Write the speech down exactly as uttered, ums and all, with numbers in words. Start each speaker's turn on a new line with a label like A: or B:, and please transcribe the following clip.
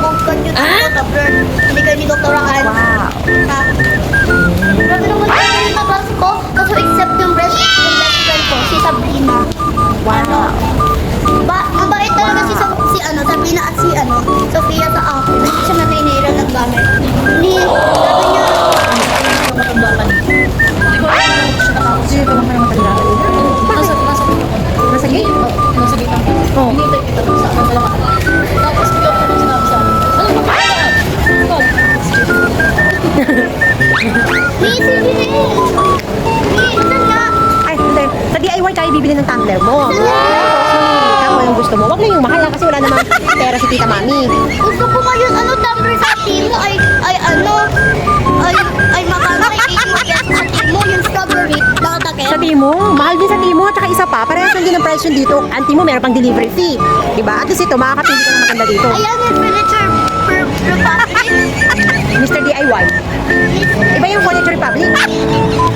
A: mag-conduct ah? Sa Blur. Hindi kayo ni Doktor Rakan.
B: Wow.
A: Ha? Grabe naman yung ganito class ko. Kaso except yung best, yung best friend ko, si Sabrina.
B: Wow.
A: Ba, ang bait talaga si, Sa- si ano, Sabrina at si ano, Sofia sa akin. Hindi siya naninira ng gamit. Hindi, sabi niya,
B: Sige ka naman matagila.
C: Nasa, nasa,
B: Nasa gate?
C: nasa gate ang
B: Oh.
C: hinihintay kita sa akin pala. Tapos bigla ko nang sinabi sa akin, ano ba kaya? Ikaw,
A: Hey, sige na eh. Hey, saan nga?
B: Ay, hindi. Sa D I Y tayo bibili ng tumbler mo. Ikaw yung gusto mo. Huwag na yung mahal ha, kasi wala namang pera si Tita Mami.
A: Gusto ko ngayon, ano, tumbler sa team mo ay, ay ano, ay, ay magkano ay eight mo, yes, sa team mo, yung strawberry, nakatakit.
B: Sa Timo, mahal din sa Timo. At saka isa pa, parehas lang din ang price yun dito. Ang Timo, meron pang delivery fee. Diba? At least ito, makakapili ka ng maganda dito.
A: Ayan yung furniture per Republic.
B: Mister D I Y. Iba yung Furniture Republic.